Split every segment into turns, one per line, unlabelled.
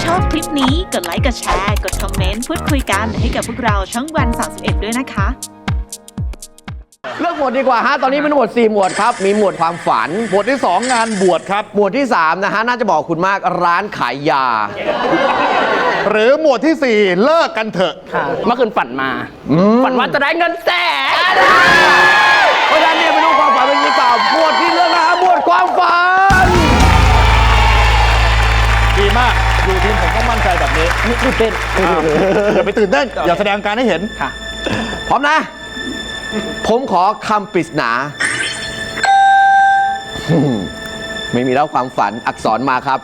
ชอบคลิปนี้กดไลค์กดแชร์กดคอมเมนต์พูดคุยกันให้กับพวกเราช่องวัน 31 ด้วยนะคะ
เลือกหมวดดีกว่าฮะ ตอนนี้เป็นหมวด4หมวดครับ มีหมวดความฝัน
หมวดที่ 2 งานบวชครับ
หมวดที่3นะฮะ น่าจะบอกคุณมากร้านขายยา
หรือหมวดที่ 4 เลิกกันเถอะ
เมื่อคืนฝันมา ฝันว่าจะได้เงินแสน
เพราะฉะนั้นเนี่ยไปดูความฝันเป็นดีกว่าหมวดที่เลือกนะฮะหมวดความฝัน
ดีมาก อยู่ทีมผมก็มั่นใจแบบนี้
ตื่นเต้น
อย่าไปตื่นเต้น อย่าแสดงการให้เห็น
ค่ะ
พร้อมนะ ผมขอคำปริศนา ไม่มีแล้วความฝันอักษรมาครับ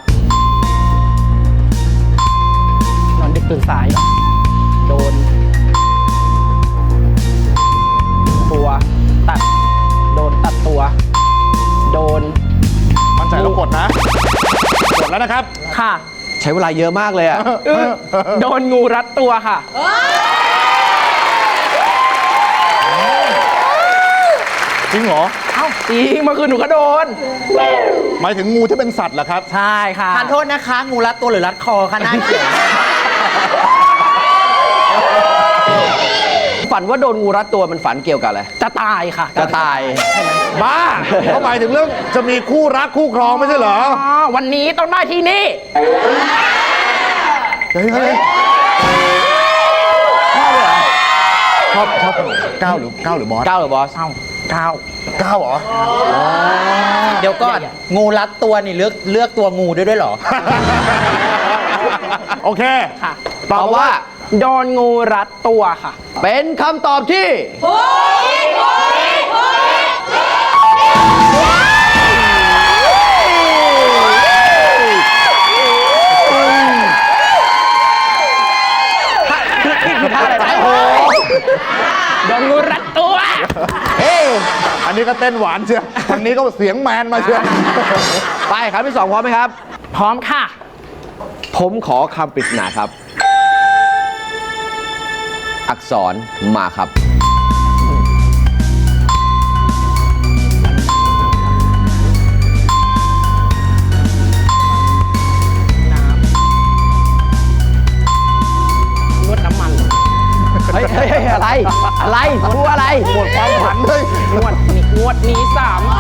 นอนดึกตื่นสายเหรอโดน ตัวตัด โดนตัดตัว โดน
มั่นใจแล้วกดนะ กดแล้วนะครับ
ค่ะ
ใช้เวลาเยอะมากเลยอะ
โดนงูรัดตัวค่ะ
จริงเหรอ
เอ้าจริงเมื่อคืนหนูก็โดน
หมายถึงงูที่เป็นสัตว์เหรอครับ
ใช่ค่ะ
ทานโทษนะคะ งูรัดตัวหรือรัดคอคะหน้าเขียว
ฝันว่าโดนงูรัดตัวมันฝันเกี่ยวกับอะไร
จะตายค่ะ
จะตาย
บ้าเขาหมายถึงเรื่องจะมีคู่รักคู่ครองไม่ใช่เหรอ
อ๋อวันนี้ต้องได้ที่นี่
เฮ้ยชอบก้าวหรือบอส
ก้าวหรือบอส
เอ้าก้าว
ก้าวเหรอ
เดี๋ยวก่อน งูรัดตัวนี่เลือกตัวงูด้วยเหรอ
โอเค
ค่ะ
ตอบว่า
โดนงูรัดตัวค่ะ
เป็นคำตอบที่นี่คือท่าอะไรนะโอ้โห
โดนงูรัดตัว
เฮ้ย
อันนี้ก็เต้นหวานเชียวทางนี้ก็เสียงแมนมาเชียว
ไปครับที่ 2 พร้อมไหมครับ
พร้อมค่ะ
ผมขอคำปริศนาครับ อักษรมาครับ
นวดน้ำมัน
เฮ้ยอะไร อะไรพูดอะไร
หมดความฝันเลย
งวดนี้3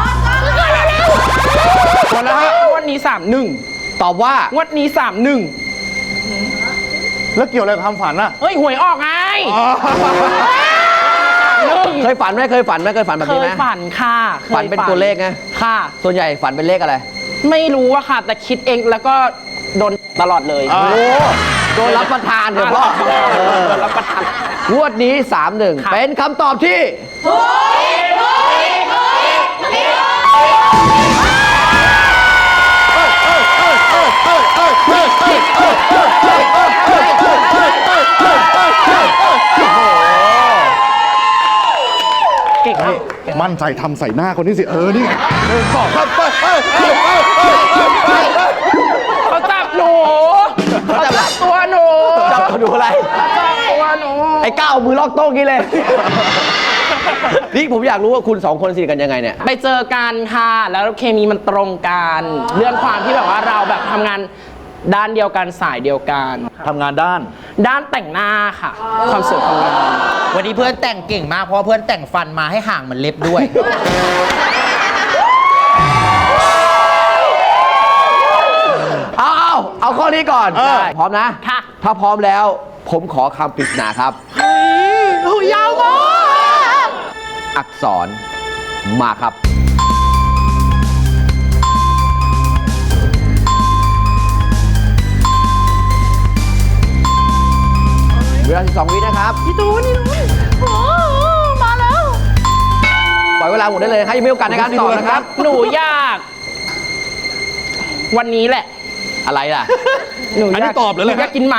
หมดแล้วฮะ
งวดนี้31
ตอบว่า
งวดนี้31
แล้วเกี่ยวอะไรกับความฝันอะ
เฮ้ยหวยออกไงหนึ่ง
เคยฝันไหมเคยฝันแบบ
เค
นี้
ย
ไหม
ฝันค่ะคย
ฝันเป็นตัวเลขไง
ค่ะ
ส่วนใหญ่ฝันเป็นเลขอะไร
ไม่รู้อะค่ะ แต่คิดเองแล้วก็โดนตลอดเลย
อ่า
โอ้โดนรับประทานเถอะพ่อ
โดนรับประทาน
งวดนี้ 3-1
ค่ะ
เป็นคำตอบที่
เก่งครับ
มั่นใจทำใส่หน้าคนนี้สิ นี่สองครับ
เขาจับหนูเขาจับตัวหนู
จับดูอะไร
จับตัวหนู
ไอ้ก้าวมือลอกโต๊ะกี้เลย นี่ผมอยากรู้ว่าคุณ 2 คนสนิทกันยังไงเนี่ย
ไปเจอกันค่ะ แล้วเคมีมันตรงกัน เรื่องความที่แบบว่าเราแบบทำงานด้านเดียวกันสายเดียวกัน
ทำงานด้าน
ด้านแต่งหน้าค่ะ ความสวยความงาม
วันนี้เพื่อนแต่งเก่งมากเพราะว่าเพื่อนแต่งฟันมาให้ห่างเหมือนเล็บด้วย
เอาข้อนี้ก่อน ได้พร้อมนะ
ค่ะ
ถ้าพร้อมแล้ว ผมขอคำปริศนาครับ
ยาวมาก
อักษรมาครับ เวลา12 วินะครับ
พี่ตูนโอ้มาแล้ว
ปล่อยเวลาหมดได้เลยนะครับยังมีโอกาสในการตอบนะครับ
หนูอยาก วันนี้แหละ
อะไรล่ะ
หนู
อันนี้ตอบหรืออะไร
หนูอยากกินหมา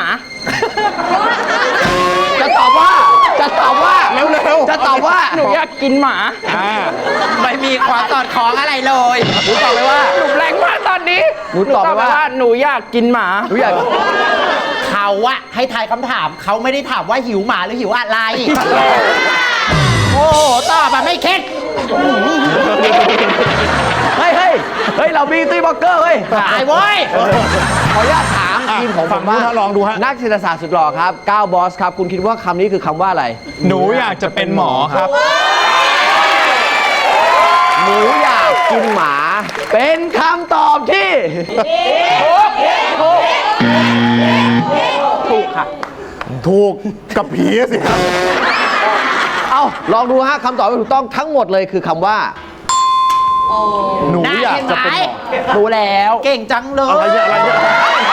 จะตอบว่า
เร็วๆ
จะตอบว่า
หนูอยากกินหมา
ไม่มีความสอดคล้องอะไรเลย
หนูตอบไปว่า
หนูแรงมากตอนนี้
หนูตอบไปว่า
หนูอยากกินหมา
หนูอยาก
เขาอะให้ทายคำถามเขาไม่ได้ถามว่าหิวหมาหรือหิวอะไร โอ้โหตอบมาไม่เค็ด
เฮ้ย เรามีตีบล็อกเกอร์เฮ้ย
ตายเว้ย
ขออนุญาตถามทีมของผ
ฝั่ง
ม
นู้
ว่าน
ฮะลองดูฮะ
นักเศรษฐศาสตร์สุดหล่อครับก้าวบอสครับ คุณคิดว่าคำนี้คือคำว่าอะไร
หนูอยากจะเป็นหมอครับ
หนูอยากกินหมา เป็นคำตอบที่
ถูกค่ะ
ถูกกับผีสิครับ
เอ้าลองดูฮะคำตอบที่ถูกต้องทั้งหมดเลยคือคำว่า
หนูอยากจะเป็นหมอ
รู้แล้ว
เก่งจังเล
อะไร
ย
เนี่ยอะไรเนี่ย